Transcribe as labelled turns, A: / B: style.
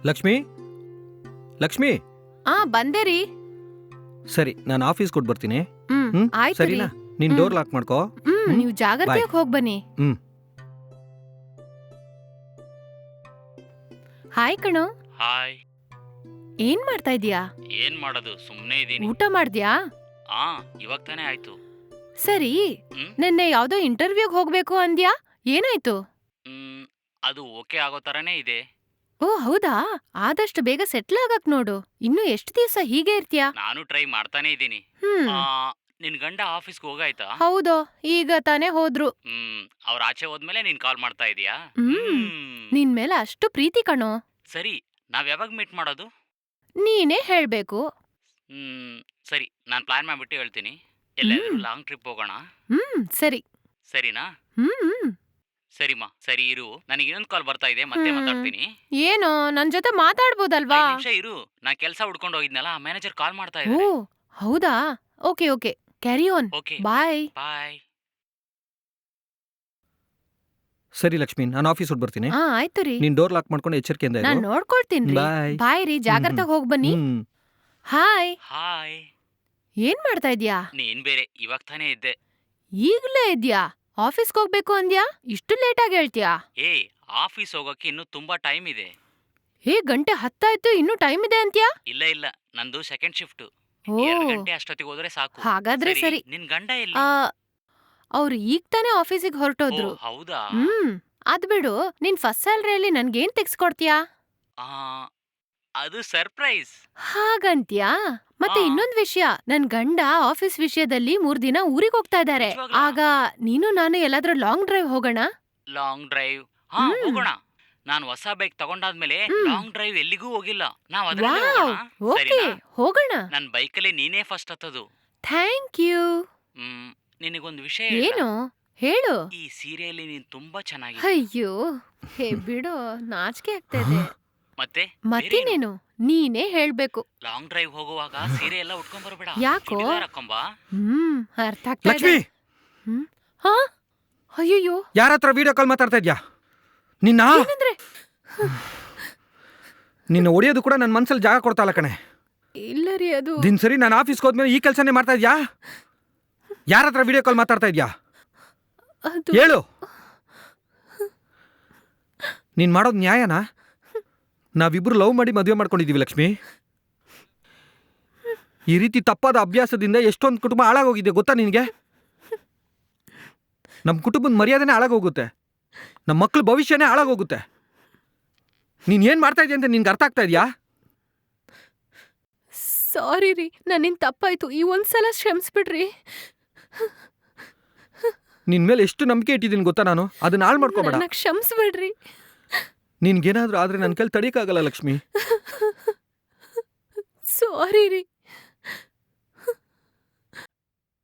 A: ಲಕ್ಷ್ಮಿ ಲಕ್ಷ್ಮಿ
B: ಬಂದೆ ರೀ.
A: ಸರಿ, ನಾನು ಆಫೀಸ್ ಕೊಟ್ಟು ಬರ್ತೀನಿ.
B: ಆಯ್ತು ರೀ.
A: ಸರಿನಾ? ನೀನ್ ಡೋರ್ ಲಾಕ್ ಮಾಡ್ಕೋ.
B: ನೀವು ಜಾಗ್ರತೆಯಾಗಿ ಹೋಗ್ಬನ್ನಿ. ಹಾಯ್ ಕಣೋ.
C: ಹಾಯ್.
B: ಏನ್ ಮಾಡ್ತಾ ಇದೀಯಾ?
C: ಏನ್ ಮಾಡೋದು, ಸುಮ್ನೆ ಇದೀನಿ.
B: ಊಟ ಮಾಡ್ದ್ಯಾ?
C: ಇವಾಗ ತಾನೇ ಆಯ್ತು.
B: ಸರಿ, ನಿನ್ನೆ ಯಾವ್ದೋ ಇಂಟರ್ವ್ಯೂಗ್ ಹೋಗ್ಬೇಕು ಅಂದ್ಯಾ, ಏನಾಯ್ತು?
C: ಅದು ಓಕೆ ಆಗೋ ತರನೇ ಇದೆ.
B: ಓ ಹೌದಾ? ಆದಷ್ಟು ಬೇಗ ಸೆಟ್ಲ್ ಆಗಕ್ ನೋಡು. ಇನ್ನು ಎಷ್ಟು ದಿವಸ ಹೀಗೆ ಇರ್ತೀಯಾ?
C: ನಾನು ಟ್ರೈ ಮಾಡ್ತಾನೆ ಇದ್ದೀನಿ. ನಿನ್ ಗಂಡ ಆಫೀಸ್ಗೆ ಹೋಗಾಯ್ತಾ?
B: ಹೌದೋ, ಈಗ ತಾನೇ ಹೋದ್ರು.
C: ಅವ್ರ ಆಚೆ ಹೋದ್ಮೇಲೆ ನೀನ್ ಕಾಲ್ ಮಾಡ್ತಾ ಇದೀಯಾ?
B: ನಿನ್ ಮೇಲೆ ಅಷ್ಟು ಪ್ರೀತಿ ಕಣೋ.
C: ಸರಿ, ನಾವ್ ಯಾವಾಗ ಮೀಟ್ ಮಾಡೋದು?
B: ನೀನೇ ಹೇಳ್ಬೇಕು.
C: ಸರಿ, ನಾನ್ ಪ್ಲಾನ್ ಮಾಡ್ಬಿಟ್ಟು ಹೇಳ್ತೀನಿ. ಎಲ್ಲಾದ್ರೂ ಲಾಂಗ್ ಟ್ರಿಪ್ ಹೋಗೋಣ.
B: ಸರಿ.
C: ಸರಿನಾ? ಸರಿಮಾ, ಸರಿ ಇರು, ನನಗೆ ಇನ್ನೊಂದು ಕಾಲ್ ಬರ್ತಾ ಇದೆ, ಮತ್ತೆ ಮಾತಾಡ್ತೀನಿ.
B: ಏನೋ, ನನ್ ಜೊತೆ ಮಾತಾಡ್ಬೋದಲ್ವಾ?
C: 5 ನಿಮಿಷ ಇರು, ನಾ ಕೆಲಸ ಹುಡ್ಕೊಂಡು ಹೋಗಿದ್ನಲ್ಲ, ಮ್ಯಾನೇಜರ್ ಕಾಲ್ ಮಾಡ್ತಾ
B: ಓ
C: ಇದ್ದಾರೆ.
B: ಹೌದಾ? Okay okay, carry on.
C: Okay,
B: bye.
C: Bye.
A: ಸರಿ ಲಕ್ಷ್ಮಿ, ನಾನು ಆಫೀಸ್ ಹೊಟ್ಟು ಬರ್ತೀನಿ.
B: ಆಯ್ತು ರೀ.
A: ನೀನ್ ಡೋರ್ ಲಾಕ್ ಮಾಡ್ಕೊಂಡು ಎಚ್ಚರಿಕೆಯಿಂದ
B: ನಾನ್
A: ಇರು.
B: ನೋಡ್ಕೊಳ್ತೀನಿ.
A: ಬಾಯ್.
B: ಬಾಯ್ ರೀ, ಜಾಗ್ರತೆ ಹೋಗ್ ಬನ್ನಿ. ಹಾಯ್.
C: ಹಾಯ್.
B: ಏನ್ ಮಾಡ್ತಾ ಇದ್ಯಾ?
C: ನೀನ್ ಬೇರೆ, ಇವಾಗ ತಾನೇ ಇದ್ದೆ.
B: ಈಗ್ಲೇ ಇದ್ಯಾ? ಆಫೀಸ್ಗೆ ಹೋಗ್ಬೇಕು ಅಂದ್ಯಾ? ಇಷ್ಟು ಲೇಟ್ ಆಗಿ ಹೇಳ್ತೀಯಾ?
C: ಆಫೀಸ್ ಹೋಗಕ್ಕೆ ಇನ್ನೂ ತುಂಬಾ ಟೈಮ್ ಇದೆ.
B: ಗಂಟೆ 10 ಆಯ್ತು, ಇನ್ನೂ ಟೈಮ್ ಇದೆ ಅಂತ್ಯಾ?
C: ಇಲ್ಲ, ನಂದು ಸೆಕೆಂಡ್ ಶಿಫ್ಟ್.
B: ಓ
C: 2 ಗಂಟೆ ಅಷ್ಟೊತ್ತಿಗೆ ಹೋದ್ರೆ ಸಾಕು.
B: ಹಾಗಾದ್ರೆ ಸರಿ.
C: ನಿನ್ ಗಂಡ ಎಲ್ಲಿ?
B: ಅವ್ರು ಈಗ ತಾನೇ ಆಫೀಸಿಗೆ ಹೊರಟೋದ್ರು.
C: ಹೌದಾ?
B: ಅದ್ ಬಿಡು, ನಿನ್ ಫಸ್ಟ್ ಸ್ಯಾಲರಿಯಲ್ಲಿ ನನ್ಗೇನ್ ತೆಗ್ಸ್ಕೊಡ್ತೀಯಾ?
C: ಅದು ಸರ್ಪ್ರೈಸ್.
B: ಹಾಗಂತ್ಯಾ? ಮತ್ತೆ ಇನ್ನೊಂದ್ ವಿಷಯ, ನನ್ ಗಂಡ ಆಫೀಸ್ ವಿಷಯದಲ್ಲಿ 3 ದಿನ ಊರಿಗೆ ಹೋಗ್ತಾ ಇದಾರೆ. ಆಗ ನೀನು ನಾನು ಎಲ್ಲಾದ್ರೂ ಲಾಂಗ್ ಡ್ರೈವ್ ಹೋಗೋಣ.
C: Long drive? ಹೋಗೋಣ. ನಾನು ಹೊಸ ಬೈಕ್ ತಗೊಂಡಾದ್ಮೇಲೆ ಲಾಂಗ್ ಡ್ರೈವ್ ಎಲ್ಲಿಗೂ ಹೋಗಿಲ್ಲ. ನಾವ್ ಅದರಲ್ಲೇ ಹೋಗೋಣ.
B: ಓಕೆ, ಹೋಗೋಣ.
C: ನನ್ ಬೈಕಲ್ಲಿ ನೀನೇ ಫಸ್ಟ್ ಹತ್ತದು.
B: Thank you.
C: ನಿನಗೊಂದು ವಿಷಯ
B: ಏನು ಹೇಳು.
C: ಈ ಸೀರೆಯಲ್ಲಿ ನೀನ್ ತುಂಬಾ ಚೆನ್ನಾಗಿದೆ.
B: ಅಯ್ಯೋ ಬಿಡು, ನಾಚಿಕೆ ಆಗ್ತಾ ಇದೆ. ಮತ್ತೇನೇನು, ನೀನೇ ಹೇಳ್ಬೇಕು.
C: ಲಾಂಗ್ ಡ್ರೈವ್ ಹೋಗುವಾಗ ಸೀರೆ ಎಲ್ಲ ಉಟ್ಕೊಂಡ್ ಬರಬೇಡ.
B: ಯಾಕೋ?
C: ಹಾಕೊಂಬಾ.
B: ಅರ್ಥ ಆಗ್ತಾ ಇದೆ.
A: ಲಕ್ಷ್ಮಿ,
B: ಅಯ್ಯೋ,
A: ಯಾರ ಹತ್ರ ವಿಡಿಯೋ ಕಾಲ್ ಮಾತಾಡ್ತಾ ಇದ್ಯಾ?
B: ಏನಂದ್ರೆ?
A: ನಿನ್ನ ಹೊಡೆಯೋದು ಕೂಡ ನನ್ನ ಮನ್ಸಲ್ಲಿ ಜಾಗ ಕೊಡ್ತಾ ಇಲ್ಲ ಕಣೆ.
B: ಇಲ್ಲ ರೀ, ಅದು
A: ದಿನ ಸರಿ ನಾನು ಆಫೀಸ್ಗೆ ಹೋದ್ಮೇಲೆ ಈ ಕೆಲಸನೇ ಮಾಡ್ತಾ ಇದ್ಯಾ? ಯಾರ ಹತ್ರ ವಿಡಿಯೋ ಕಾಲ್ ಮಾತಾಡ್ತಾ ಇದ್ಯಾ? ಹೇಳು. ನೀನ್ ಮಾಡೋದು ನ್ಯಾಯನಾ? ನಾವಿಬ್ರು ಲವ್ ಮಾಡಿ ಮದುವೆ ಮಾಡ್ಕೊಂಡಿದೀವಿ ಲಕ್ಷ್ಮಿ. ಈ ರೀತಿ ತಪ್ಪಾದ ಅಭ್ಯಾಸದಿಂದ ಎಷ್ಟೊಂದು ಕುಟುಂಬ ಹಾಳಾಗೋಗಿದೆ ಗೊತ್ತಾ ನಿನಗೆ? ನಮ್ಮ ಕುಟುಂಬದ ಮರ್ಯಾದೆನೇ ಹಾಳಾಗೋಗುತ್ತೆ, ನಮ್ಮ ಮಕ್ಳ ಭವಿಷ್ಯನೇ ಹಾಳಾಗೋಗುತ್ತೆ. ನೀನ್ ಏನ್ ಮಾಡ್ತಾ ಇದೀಯ ಅಂತ ನಿನ್ಗೆ ಅರ್ಥ ಆಗ್ತಾ ಇದೆಯಾ?
B: ಸಾರಿ ರೀ, ನನ್ನಿಂದ ತಪ್ಪಾಯ್ತು. ಈ ಒಂದ್ಸಲ ಕ್ಷಮಿಸ್ಬಿಡ್ರಿ.
A: ನಿನ್ ಮೇಲೆ ಎಷ್ಟು ನಂಬಿಕೆ ಇಟ್ಟಿದ್ದೀನಿ ಗೊತ್ತಾ ನಾನು? ಅದನ್ನ ಹಾಳು ಮಾಡ್ಕೋಬೇಡ.
B: ಕ್ಷಮಿಸ್ಬಿಡ್ರಿ.
A: ನಿನ್ಗೇನಾದ್ರೂ ಆದ್ರೆ ನನ್ನ ಕೈಲಿ ತಡೀಕಾಗಲ್ಲ ಲಕ್ಷ್ಮಿ.
B: ಸಾರಿ ರೀ.